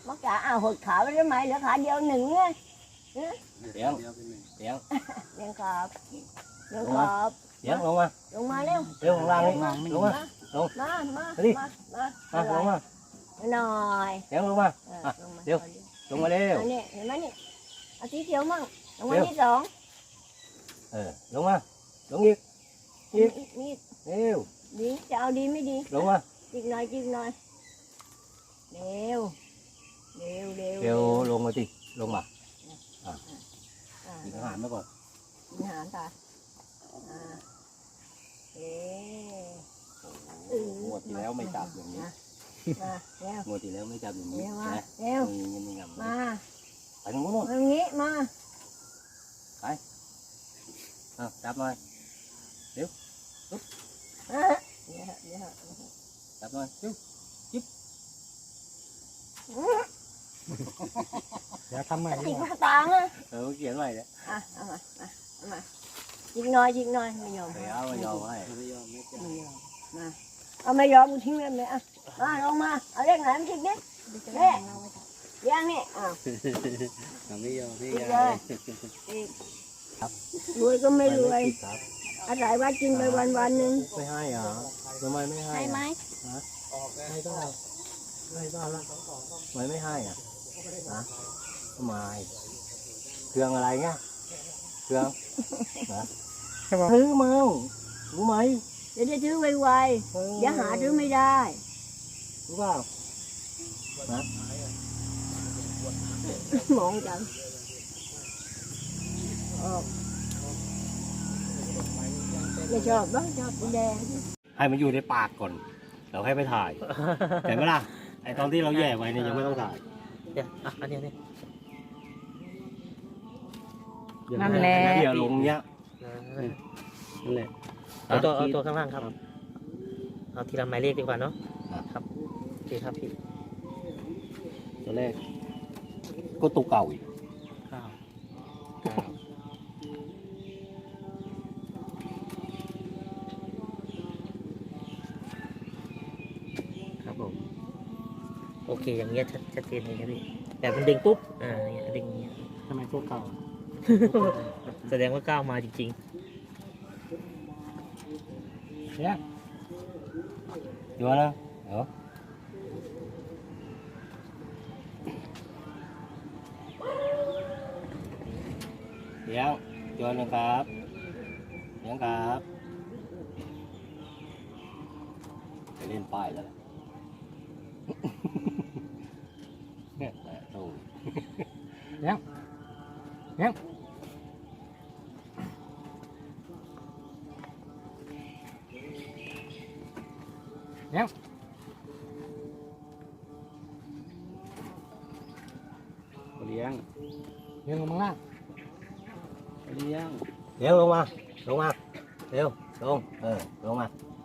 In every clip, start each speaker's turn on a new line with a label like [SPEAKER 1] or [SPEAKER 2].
[SPEAKER 1] mất cả hụt khảo với mày lỡ khảo vô nừng á
[SPEAKER 2] Tiếng
[SPEAKER 1] đen cọp
[SPEAKER 2] luôn mà
[SPEAKER 1] lùng mà leo
[SPEAKER 2] Leo con lang đi luôn mà đi luôn mà
[SPEAKER 1] rồi
[SPEAKER 2] Tiếng luôn mà Leo luôn mà Leo
[SPEAKER 1] nè mấy nè ở tí thiếu mà lùng mà đi rồi
[SPEAKER 2] luôn mà luôn nghiệt Leo
[SPEAKER 1] đi chào đi mới đi
[SPEAKER 2] luôn mà
[SPEAKER 1] chiếc nồi
[SPEAKER 2] Leo luôn mà đi luôn mà nó hàn nó còn
[SPEAKER 1] hả ta
[SPEAKER 2] mua thì léoไม่จับอย่างนี้mua thì léoไม่จับอย่างนี้นะมึงงำ
[SPEAKER 1] มา
[SPEAKER 2] ไปตรงนู้น
[SPEAKER 1] ตรงนี้มา
[SPEAKER 2] จับหน่อยเดี๋ยวจับหน่อยจิ๊บ
[SPEAKER 3] เดี๋ยวทำใหม่
[SPEAKER 1] ติดลูกตาอ่ะ
[SPEAKER 2] เขียนใหม่เลย
[SPEAKER 1] เอามาจิกหน่อยไม่ยอม
[SPEAKER 2] เอาไม่ยอมให้
[SPEAKER 1] มาเอาไม่ยอมกูทิ้งเลยไหมอ่ะมาลงมาเอาเลขไหนมาจิกนิดเลขยังนี่อ้าว
[SPEAKER 2] ไม่ยอมให้
[SPEAKER 1] จิกเลยรวยก็ไม่รวยอาศัยว่ากินไปวันหนึ่ง
[SPEAKER 2] ไม่ให้เหรอทำไมไม่ให้
[SPEAKER 1] ให้ไหม
[SPEAKER 2] ให้ก็ได้ให้ก็แล้วทำไมไม่ให้อ่ะทำไมเครื่องอะไรเงี้ยเครื่องซื้อมารู้ไหม
[SPEAKER 1] เดี๋ยวจะซื้อไวๆอย่าหาซื้อไม่ได้
[SPEAKER 2] รู้เปล่า
[SPEAKER 1] มองจังไม่ชอบบ้างชอบสีแดง
[SPEAKER 2] ให้มันอยู่ในปากก่อนเราให้ไปถ่ายเห็นไหมล่ะไอตอนที่เราแย่ไว้เนี่ยยังไม่ต้องถ่าย
[SPEAKER 4] เดี๋ยวอันนี้
[SPEAKER 3] นั่นแหละ
[SPEAKER 2] เดี๋ยวลงเนี้ย
[SPEAKER 4] นั่นแหละเอาตัวข้างล่างครับเอาทีละหมายเลขดีกว่าเนาะครับโอเคครับพี่
[SPEAKER 2] ตัวแรกก็ตัวเก่าอีก
[SPEAKER 4] ครับผมโอเคอย่างเงี้ยชัดเจนเลยครับพี่แต่มันดึงปุ๊บอย่างเงี้ยดึงอย่างเงี้ย
[SPEAKER 3] ทำไมตัวเก่า
[SPEAKER 4] แสดงว่าก้าวมาจริง
[SPEAKER 3] เนี่ย
[SPEAKER 2] ชัวร์นะเหรอเดี๋ยวชัวร์นะครับเดี๋ยวครับไปเล่นป้ายแล้วเนี่ยโอ้
[SPEAKER 3] เนี่ยเนี่ยเนี่ย
[SPEAKER 2] เลี้ยง
[SPEAKER 3] เลี้ยงลงมาล่าง
[SPEAKER 2] เลี้ยงลงมาเร็วลงลงมา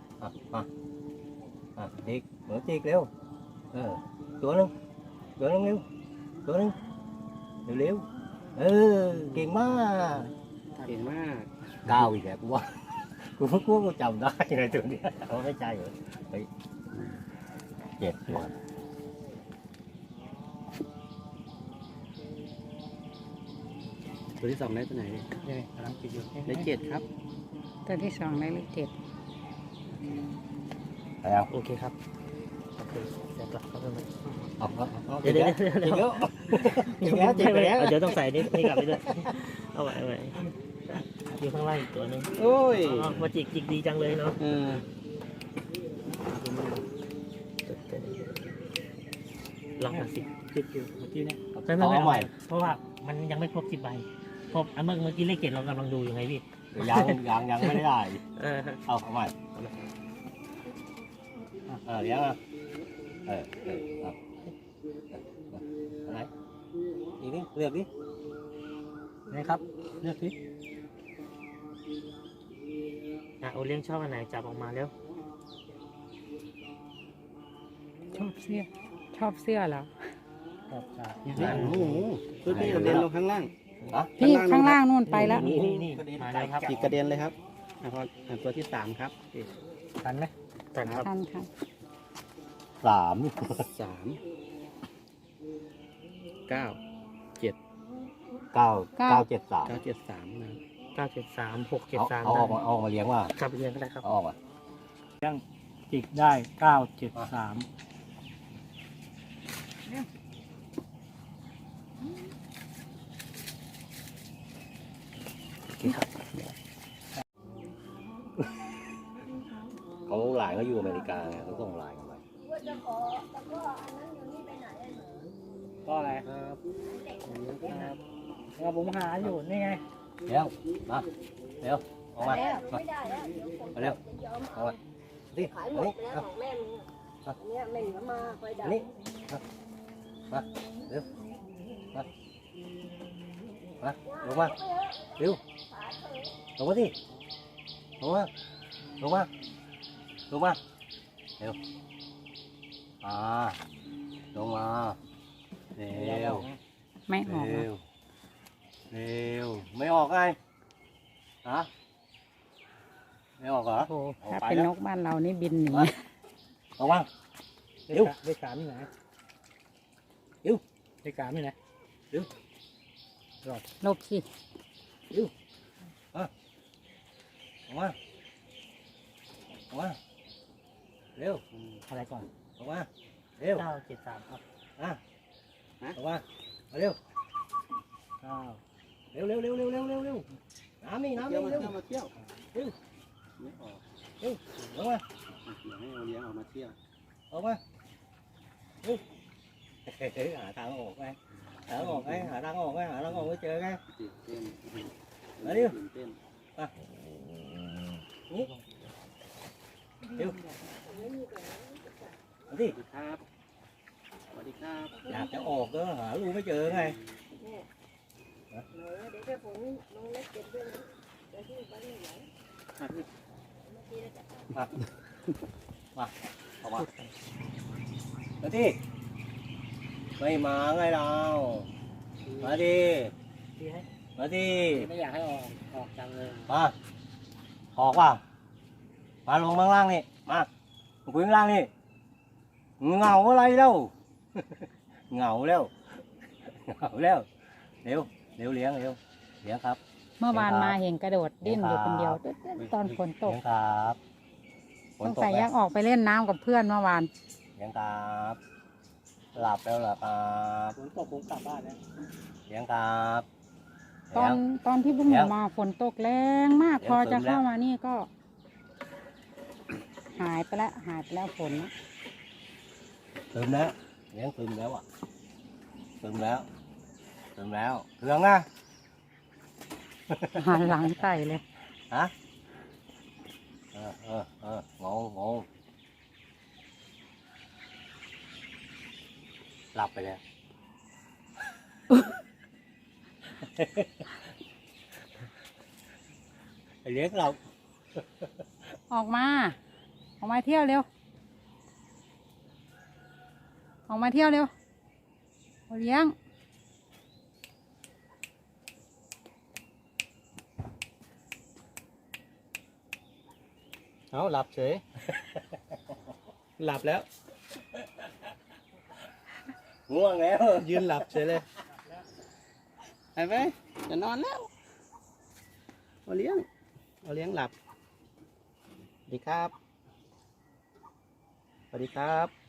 [SPEAKER 2] จิกเหมือนจิกเร็วตัวนึงเร็วตัวนึงเร็วเก่งมากก้าวอีกแล้วกูว่ากูจำได้ในตัวนี้เขาไม่ใจเหรอเจ็บหัว
[SPEAKER 5] ตัวที่สองได้ตัวไหน
[SPEAKER 3] เนี่ยกำลังกินอยู่
[SPEAKER 5] ได้7ครับ
[SPEAKER 6] ตัวที่สองได้เลข7
[SPEAKER 2] แล้ว
[SPEAKER 4] ๆโอเคครับโอเคเดี๋ยวกลับเข้าไปใหม่
[SPEAKER 2] เดี๋ยว
[SPEAKER 4] เดี๋ยวต้องใส่นี่กลับไปด้วยเอาไว้อยู่ข้างล่างอีกตัวนึง
[SPEAKER 5] โอ้ย
[SPEAKER 4] มาจิกดีจังเลยเนาะ ลองมาสิ
[SPEAKER 3] ติดอยู่เมื่อกี้เนี่ย
[SPEAKER 4] ไม่เพราะว่ามันยังไม่ครบ10 ใบครบเมื่อกี้เลข7เรากำลังดูอยู่ไงพี่
[SPEAKER 2] ยังไม่ได้ เอาใหม่เดี๋ยวอะไรอีกนิดเลือกดิ
[SPEAKER 3] นะครับเลือกสิ
[SPEAKER 4] โอเลี้ยงชอบอันไหนจับออกมาแล้ว
[SPEAKER 6] ชอบเสื้อเหรอ
[SPEAKER 3] ครับใช่
[SPEAKER 5] โอ้โหตัวที่กระเด็นลงข้างล่าง
[SPEAKER 6] พี่ข้างล่างนู่นไปแล้ว
[SPEAKER 4] นี่มาแล้วครับ
[SPEAKER 5] อีกกระเด็นเลยครับตัวที่3ครับ
[SPEAKER 3] ทันไหม
[SPEAKER 4] แต่ครับ
[SPEAKER 6] ทัน
[SPEAKER 2] 3
[SPEAKER 5] 3 เก้าเจ็ด
[SPEAKER 2] 973
[SPEAKER 5] 973นะครับ
[SPEAKER 4] 973 673
[SPEAKER 2] เอาออกมาเลี้ยงว่า
[SPEAKER 4] ครับเรียนก็ได้ครับ
[SPEAKER 2] เอาออกมา
[SPEAKER 3] จิกได้เก้าเจ็ดสาม
[SPEAKER 4] โอเคครับ
[SPEAKER 2] เขาหลานเขาอยู่อเมริกาไงเขาส่งหลานกันไป
[SPEAKER 1] ว่าจะขอแล้วก็อันนั้นอยู่นี่ไปไหนอะหนู
[SPEAKER 3] ก็อะไรครับครับแล้วผมหาอยู่นี่ไง
[SPEAKER 2] เร็วมาเร็วออกมา
[SPEAKER 1] แล้ว
[SPEAKER 2] มา
[SPEAKER 1] ไม่ได้แล้วเดี๋ยวคน
[SPEAKER 2] มาเร็ว
[SPEAKER 1] จะยอม
[SPEAKER 2] ออกมาสิ
[SPEAKER 1] ขายหม
[SPEAKER 2] มา
[SPEAKER 1] ด
[SPEAKER 2] นี่
[SPEAKER 1] ไปแล้วของแม่มึงอะอันเนี้ยไม่เหลือมาคอยดั
[SPEAKER 2] มานี่มาเร็วมาลงมาเร็วลงมาสิลงมาลงมาลงมาเร็วลงมาเร็ว
[SPEAKER 6] ไม่ออก
[SPEAKER 2] เร็
[SPEAKER 6] นะ
[SPEAKER 2] วเร็วไม่ออกไงฮะไม่ออกเหรอ
[SPEAKER 6] โอ้
[SPEAKER 2] ออก
[SPEAKER 6] ถ้า
[SPEAKER 2] ไป
[SPEAKER 6] เป็น
[SPEAKER 2] แล้ว
[SPEAKER 6] นกบ้านเรานี่บินหนี
[SPEAKER 2] ออกมา เร็ว
[SPEAKER 3] เลขสามที่ไหน
[SPEAKER 2] เร็ว
[SPEAKER 3] เลขสามที่ไหน
[SPEAKER 6] ลบสิ
[SPEAKER 2] ออกมาออกมาเร็ว
[SPEAKER 3] อะไรก่อน
[SPEAKER 2] ออกมาเร็ว
[SPEAKER 3] 973ครับ
[SPEAKER 2] ออกมาเร็ว
[SPEAKER 3] 9
[SPEAKER 2] เร็วน้ำนี่
[SPEAKER 5] เที่ยว
[SPEAKER 2] เร็ว
[SPEAKER 5] มาเที่ยวไม่ออก
[SPEAKER 2] ลงมา
[SPEAKER 5] เดี๋ยวให้เอาเลี้ยงออกมาเที่ยว
[SPEAKER 2] ออกมาเร็วหาทางออกไงหาทางออกไงหาทางออกไม่เจอไง
[SPEAKER 5] ตื่นเต้น
[SPEAKER 2] มาเร็ว
[SPEAKER 5] ตื่นเต้น
[SPEAKER 2] นี่เร็วมาสิ
[SPEAKER 5] สวัสดีครับสวัสดีครับ
[SPEAKER 2] อยากจะออกก็หาลูกไม่เจอไง
[SPEAKER 1] หนูเดี๋ยวถ้าผมลงเล็กเก็บด้วยนะเดี๋ยวที่บ้านไม่ไหว
[SPEAKER 2] มาออกมามาดิไม่มาไงเรามาดิมาดิ
[SPEAKER 3] ไม่อยากให้ออกจังเลย
[SPEAKER 2] มาออกว่ามาลงข้างล่างนี่มาคุยข้างล่างนี่เหงาอะไรเล่า เหงาแล้วเร็วเลี้ยงครับ
[SPEAKER 6] เมื่อวาน
[SPEAKER 2] ครับ
[SPEAKER 6] มาเห็นกระโดดดิ้นอยู่คนเดียว
[SPEAKER 2] ครับ
[SPEAKER 6] ตอนฝนตก
[SPEAKER 2] เลี้ยงครับฝ
[SPEAKER 6] ส
[SPEAKER 2] น
[SPEAKER 6] ง
[SPEAKER 2] ตก
[SPEAKER 6] สัย
[SPEAKER 2] ไหม
[SPEAKER 6] ยังออกไปเล่นน้ำกับเพื่อนเมื่อวาน
[SPEAKER 2] เลี้ยงครับหลับแล้วเหรอครับ
[SPEAKER 3] ฝนตกผมกลับบ้านแล้ว
[SPEAKER 2] เลี้ยงครับ
[SPEAKER 6] ตอนที่พวกห
[SPEAKER 2] แล้
[SPEAKER 6] นู
[SPEAKER 2] ว
[SPEAKER 6] มาฝนตกแรงมาก
[SPEAKER 2] แล้ว
[SPEAKER 6] พอจะ
[SPEAKER 2] ฝนแล้ว
[SPEAKER 6] เข้ามานี่ก็ หายไปแล้วฝนนะ
[SPEAKER 2] ซึมแล้วเลี้ยงซึมแล้วอ่ะซึมแล้วเครื่องนะ
[SPEAKER 6] หันหลังใส่เลย
[SPEAKER 2] ฮะงงหลับไปแล้ว เลี้ยงเรา
[SPEAKER 6] ออกมาเที่ยวเร็วเอาเลี้ยง
[SPEAKER 3] เอาหลับเฉย หลับแล้ว
[SPEAKER 2] ง่วงแล้ว
[SPEAKER 3] ยืนหลับเฉยเลย
[SPEAKER 5] ไปจะนอนแล้วเอาเลี้ยงหลับสวัสดีครับสวัสดีครับ